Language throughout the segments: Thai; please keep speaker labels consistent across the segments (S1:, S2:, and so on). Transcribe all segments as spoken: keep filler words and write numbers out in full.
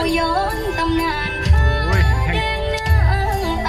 S1: ย้อนตำนานผ้าแดงนางไอ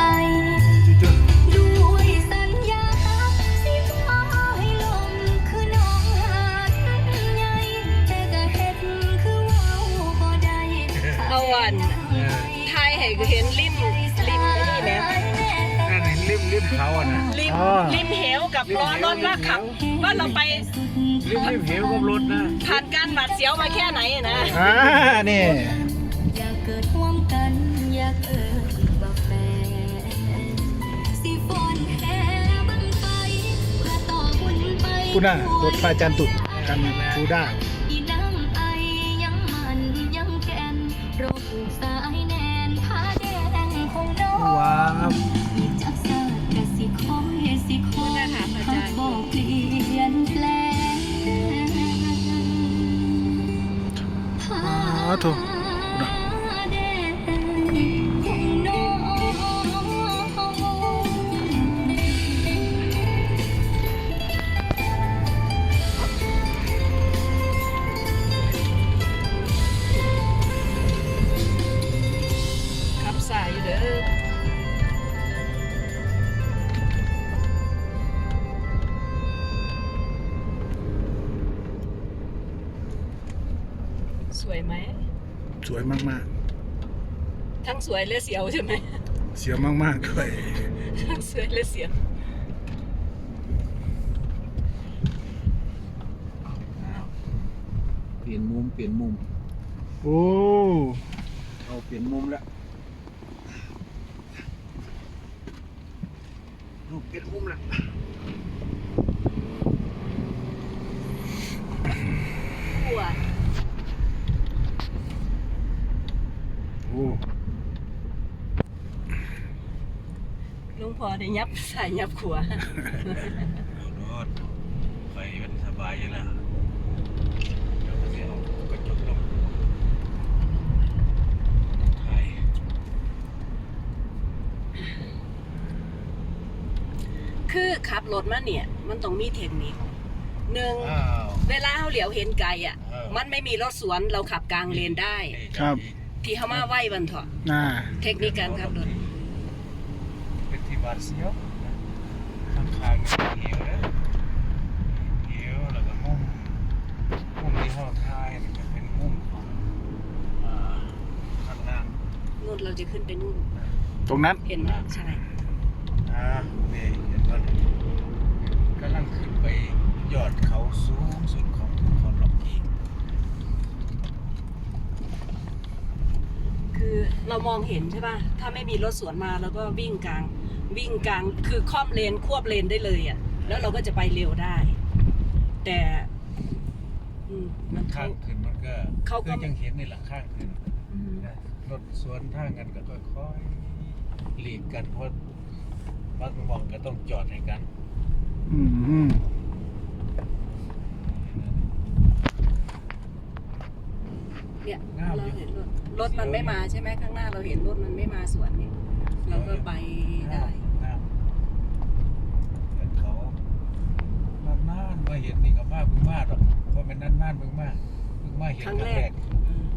S1: ด้วยสัญญาสิฟ้าให้ลมคือน้องหาดใหญ่แต่ก็เฮ็ดคือเว้าบ่ได้
S2: เอาวันไทยให้เห็นริมริมไอ้นี่ไหม
S3: นั่นเห็นริมริมเขาอ่ะนะ
S2: ริมริมเหวกับล้อรถว่าขับว่าเราไป
S3: ริมริมเหวกับรถนะ
S2: ผ่านการหวาดเสียวมาแค่ไหนนะ
S4: อ่านี่
S1: อยากเกิดร่วมกันอยากเอิ้นว่าแฟนสิฟ้อนแห่บั้งไฟเพื่อต่อบุญไป
S4: กูน่ะรถไฟจันตุดกันกูด้า
S1: อีน้ำไอยังมันยังแก่นโรคผูกสายแน่นผ้าแดงของน้อง
S4: ว้าว
S1: อีจักสาดกะสิคอยสิคอยหากบอกเปลี่ยนแปลงผ้า
S4: อ๋อถูก
S1: แดงของน้อง
S2: ขับสายอยู่เด้อสวยไหม
S4: สวยมาก
S2: ทั้งสวยและเสียวใช่ไหม
S4: ๆ เสียวมากๆด้วย
S2: ทั้งสวยและเสียว
S3: เปลี่ยนมุมเปลี่ยนมุม
S4: โอ้
S3: เอาเปลี่ยนมุมแล้วเอาเปลี่ยนมุมแล้ว
S2: กลัว
S4: โอ้
S2: ลุงพอได้ยับใส่ยับขัว
S3: รถไฟมันสบายอยู่แล้วเดี๋ยวจะเอากระจกลงไทย
S2: คือขับรถมาเนี่ย มันต้องมีเทคนิคหนึ่ง
S3: อ้าว
S2: เวลาเขาเหลียวเห็นไกลอ่ะ
S3: เออ
S2: มันไม่มีรถสวนเราขับกลางเลนได้
S4: ครับ
S2: ที่เขามาไหว้วันเถอะ
S4: น่า
S2: เทคนิคการขับรถ
S3: เป็นที่บาดเสียวข้างข้างๆเหวนะเหวแล้วก็มุมมุมที่ห้องท้ายนี่ก็เป็นมุมของอ่าข้างล่าง
S2: นู่นเราจะขึ้นไปนู่น
S4: ตรงนั้น
S2: เห็นไหมใช่
S3: อ่านี่เห็นป่ะกำลังขึ้นไปยอดเขาสูงสุดของภูเขาล็อกกี้
S2: คือเรามองเห็นใช่ป่ะถ้าไม่มีรถสวนมาเราก็วิ่งกลางวิ่งกลางคือค่อมเลนควบเลนได้เลยอ่ะแล้วเราก็จะไปเร็วได้ แต่อืมมัน
S3: ข้า
S2: เขา
S3: งขึ้นมันก็
S2: เขาก็
S3: คือยังเห็นนี่แหละข้างขึ้น
S2: อืม
S3: นะรถสวนทางกันก็ค่อยๆหลีกกันเพราะบางมองก็ต้องจอดให้กัน
S4: อืม
S2: เนี่ยเราเห็นรถรถมันไม่มาใช่ไหมข้างหน้าเราเห็นรถมันไม่มาสวนนี่เราก็ไปได้
S3: น้ำแต่เขานานๆมาเห็นนี่ก็มาเพิ่งมาหรอกเพราะมันนานๆเพิ่งมาเพิ่งมาเห็น
S2: ครั้งแรกอืม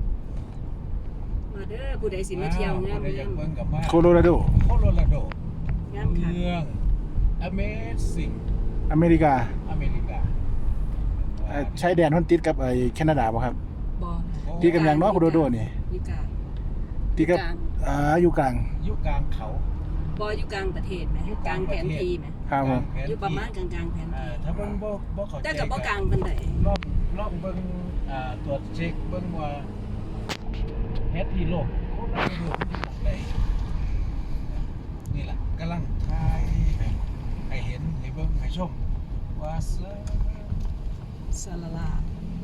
S2: มาเด้อผู้ใดสิมาเที่ยวงาม
S3: ผู้ใดอยากเบิ่งกับมา
S4: โคโลราโด
S3: โคโลราโด
S2: งามค่ะ
S3: เมือง Amazing
S4: อเมริกา
S3: อเมริกา
S4: เอ่อใช้แดนฮอนติดกับไอ้แคนาดาป่ะครับ
S2: บอ
S4: ที่กำลังเนาะโคโลราโดนี่
S2: อยู่กลาง
S4: ที่กับอ่าอยู่กลาง
S3: อยู่กลางเขา
S2: บออยู่กลางประเทศไหม
S3: อยู่
S2: ก
S3: ก
S2: ลา
S3: ลาง ง
S2: แผน
S3: ประเทศ
S2: ที่ไหม
S4: ครับผม
S3: กลางแผน
S2: อยู่ประมาณก
S3: ที่
S2: ลางๆแผน
S3: อ่า
S2: ที่
S3: ถ้าเบิ่งบ่บ่เข้าใจ
S2: แต่กับบ่กลางปานใด
S3: ลองลองเบิ่งอ่าตรวจเช็คเบิ่งว่าเฮ็ดที่โลกโคโลราโดมันอยู่ตรงใดนี่ล่ะกำลังถ่ายให้ให้เห็นให้เบิ่งให้ชมว่าเสือ
S2: สลาลา
S3: อ